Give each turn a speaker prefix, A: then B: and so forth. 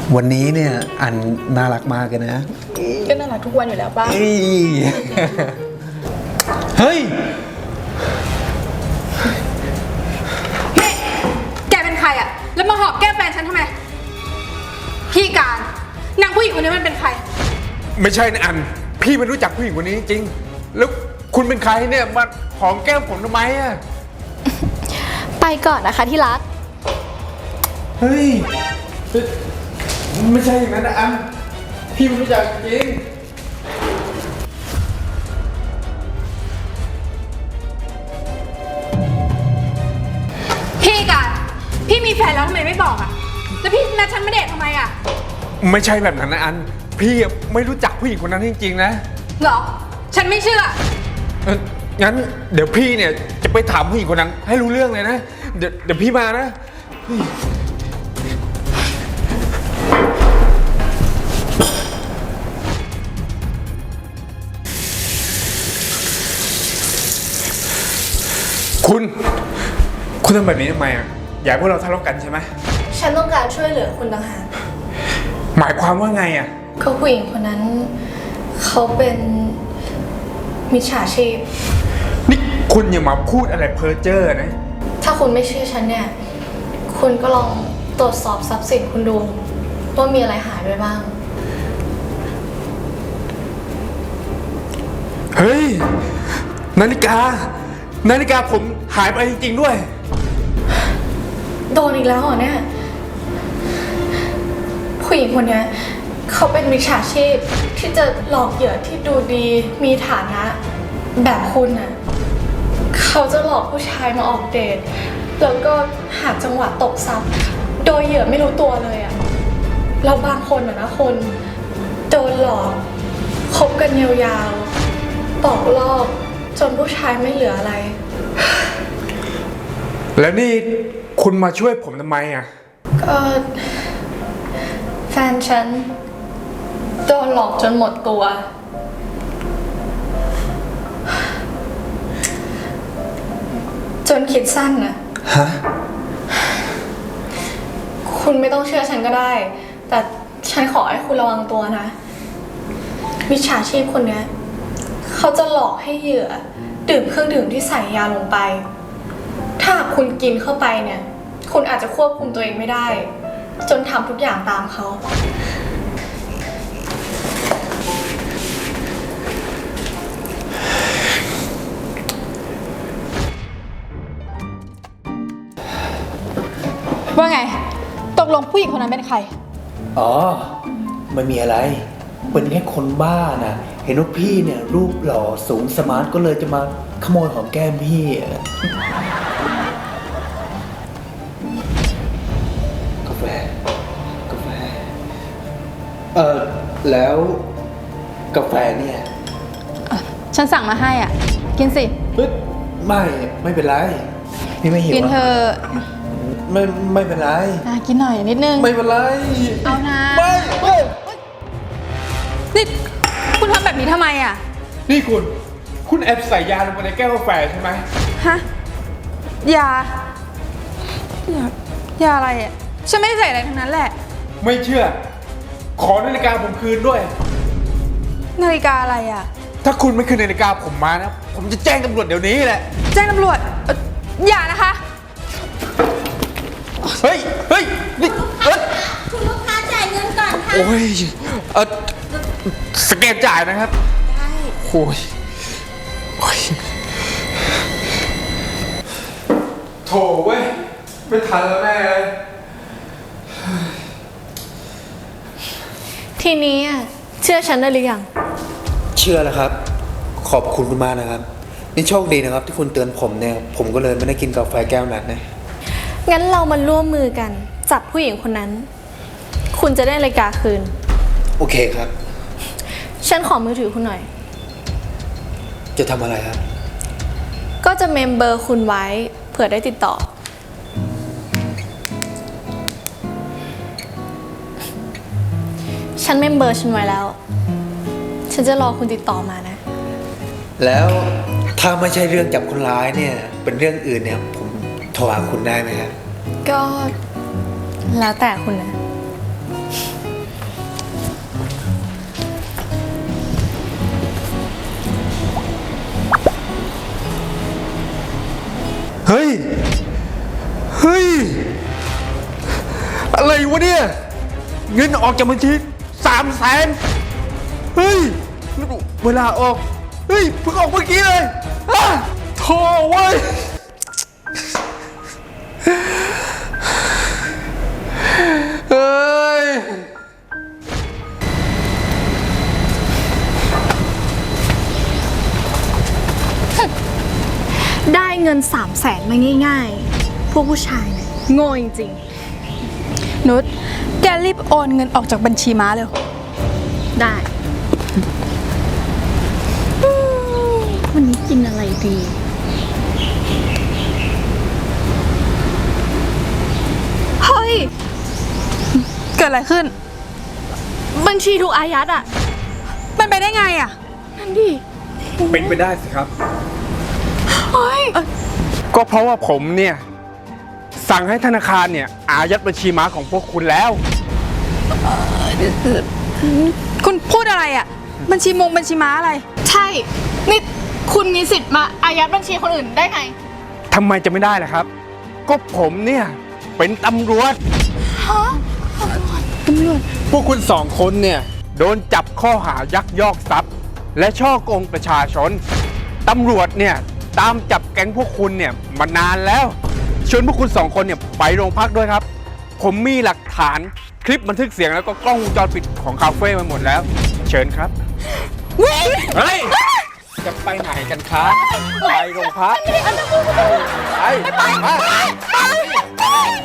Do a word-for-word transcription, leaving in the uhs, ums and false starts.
A: วันนี้เนี่ยอันน่ารักมากเลยนะ
B: ก็น่ารักทุกวันอยู่แล้วป่ะ
A: เฮ้ย
B: เฮ้แกเป็นใครอะแล้วมาหอบแก้มแฟนฉันทำไมพี่การนางผู้หญิงคนนี้มันเป็นใคร
C: ไม่ใช่นะอันพี่ไม่รู้จักผู้หญิงคนนี้จริงแล้วคุณเป็นใครเนี่ยมาหอมแก้มผมทำไมอะ
D: ไปก่อนนะคะที่รัก
C: เฮ้ยไม่ใช่อย่างนั้นนะอันพี่ไม่รู้จักจริง
B: พี่การพี่มีแฟนแล้วทำไมไม่บอกอะแล้วพี่นัดฉันมาเดททำไมอะ
C: ไม่ใช่แบบนั้นนะอันพี่ไม่รู้จักผู้หญิงคนนั้นจริงๆนะ
B: เหรอฉันไม่เชื่อ
C: งั้นเดี๋ยวพี่เนี่ยจะไปถามผู้หญิงคนนั้นให้รู้เรื่องเลยนะเดี๋ยวเดี๋ยวพี่มานะคุณคุณทำแบบนี้ทำไมอ่ะอยากให้พวกเราทะเลาะกันใช่ไหม
D: ฉันต้องการช่วยเหลือคุณต่างหาก
C: หมายความว่าไงอ่ะ
D: เขาผู้หญิงคนนั้นเขาเป็นมิจฉาชีพ
C: นี่คุณอย่ามาพูดอะไรเพ้อเจ้อนะ
D: ถ้าคุณไม่เชื่อฉันเนี่ยคุณก็ลองตรวจสอบทรัพย์สินคุณดูว่ามีอะไรหายไปบ้าง
C: เฮ้ยนาฬิกานาฬิกาผมหายไปจริงๆด้วย
D: โดนอีกแล้วเหรอเนี่ยผู้หญิงคนนี้เขาเป็นมิจฉาชีพที่จะหลอกเหยื่อที่ดูดีมีฐานะแบบคุณน่ะเขาจะหลอกผู้ชายมาออกเดทแล้วก็หาจังหวะตกทรัพย์โดยเหยื่อไม่รู้ตัวเลยอ่ะเราบางคนอ่ะนะคนโดนหลอกคบกันยาวๆตอกลอบจนผู้ชายไม่เหลืออะไร
C: แล้วนี่คุณมาช่วยผมทำไมอ่ะ
D: ก็แฟนฉันโดนหลอกจนหมดตัวจนคิดสั้นนะ
A: ฮะ
D: คุณไม่ต้องเชื่อฉันก็ได้แต่ฉันขอให้คุณระวังตัวนะมิจฉาชีพคนนี้เขาจะหลอกให้เหยื่อดื่มเครื่องดื่มที่ใส่ยาลงไปถ้าคุณกินเข้าไปเนี่ยคุณอาจจะควบคุมตัวเองไม่ได้จนทำทุกอย่างตามเขา
B: ว่าไงตกลงผู้หญิงคนนั้นเป็นใคร
A: อ๋อไม่มีอะไรเป็นแค่คนบ้านะเห็นว่าพี่เนี่ยรูปหล่อสูงสมาร์ทก็เลยจะมาขโมยหอมแก้มพี่กาแฟกาแฟเออแล้วกาแฟเนี่ย
B: ฉันสั่งมาให้อ่ะกินสิ
A: ไม่ไม่เป็นไรพี่ไม่หิว
B: กินเธอ
A: ไม่ไม่เป็นไร
B: กินหน่อยนิดนึง
A: ไม่เป็นไร
B: เอานะ
A: ไม่ไม่
B: นี่คุณทำแบบนี้ทำไมอ่ะ
C: นี่คุณคุณแอบใส่ยาลงไปในแก้วกาแฟใช่ไหม
B: ฮะยา ยา ยาอะไรอ่ะฉันไม่ได้ใส่อะไรทั้งนั้นแหละ
C: ไม่เชื่อขอนาฬิกาผมคืนด้วย
B: นาฬิกาอะไรอ่ะ
C: ถ้าคุณไม่คืนนาฬิกาผมมานะผมจะแจ้งตำรวจเดี๋ยวนี้แหละ
B: แจ้งตำรวจอย่านะคะ
C: เฮ้ยเฮ้ยนี่เอ้ย
D: คุณลูกค้าจ่ายเงินก่อนค่ะ
C: โอ้ยเออสแกนจ่ายนะครับใช่โอ้ยโอ้ยโถเว้ยไม่ทันแล้วแม่เลย
D: ทีนี้เชื่อฉันได้หรือยัง
A: เชื่อแล้วครับขอบคุณคุณมากนะครับนี่โชคดีนะครับที่คุณเตือนผมเนี่ยผมก็เลยไม่ได้กินกาแฟแก้วนั้นนะ
D: งั้นเรามาร่วมมือกันจับผู้หญิงคนนั้นคุณจะได้นาฬิกาคืน
A: โอเคครับ
D: ฉันขอมือถือคุณหน่อย
A: จะทำอะไรครับ
D: ก็จะเมมเบอร์คุณไว้เผื่อได้ติดต่อฉันเมมเบอร์ฉันไว้แล้วฉันจะรอคุณติดต่อมานะ
A: แล้วถ้าไม่ใช่เรื่องจับคนร้ายเนี่ยเป็นเรื่องอื่นเนี่ยผมโทรหาคุณได้ไหมครับ
D: ก็แล้วแต่คุณนะ
C: เงินออกจากบัญชีสามแสนเฮ้ยแล้วเวลาออก เฮ้ยเพิ่งออกเมื่อกี้เลยอ่ะโถ่เว้ยเฮ้ย
D: ได้เงินสามแสนมาง่ายๆ พวกผู้ชายเนี่ยโง่จริง
B: นุชแกรีบโอนเงินออกจากบัญชีม้าเร็ว
D: ๆ ได้อืมวันนี้กินอะไรดี เฮ้ย
B: เกิดอะไรขึ้น
D: บัญชีถูกอายัดอ่ะ
B: มันไปได้ไงอ่ะ
D: นั่นดิ
C: เป็นไปได้สิครับ
D: เฮ้ย
C: ก็เพราะว่าผมเนี่ย สั่งให้ธนาคารเนี่ย อายัดบัญชีม้าของพวกคุณแล้ว
B: คุณพูดอะไรอ่ะ บัญชีมงบัญชีม้าอะไร
D: ใช่ นี่คุณมีสิทธิ์มาอายัดบัญชีคนอื่นได้ไง
C: ทำไมจะไม่ได้ล่ะครับ ก็ผมเนี่ย เป็นตำรวจ
D: ฮะ
C: พวกคุณสองคนเนี่ย โดนจับข้อหายักยอกทรัพย์ และช่อโกงประชาชน ตำรวจเนี่ย ตามจับแก๊งพวกคุณเนี่ย มานานแล้วชวนพวกคุณสองคนเนี่ยไปโรงพักด้วยครับ ผมมีหลักฐานคลิปบันทึกเสียงแล้วก็กล้องวงจรปิดของคาเฟ่มาหมดแล้ว เชิญครับ เฮ้ย จะไปไหนกันครับ ไปโรงพัก ไปไปไป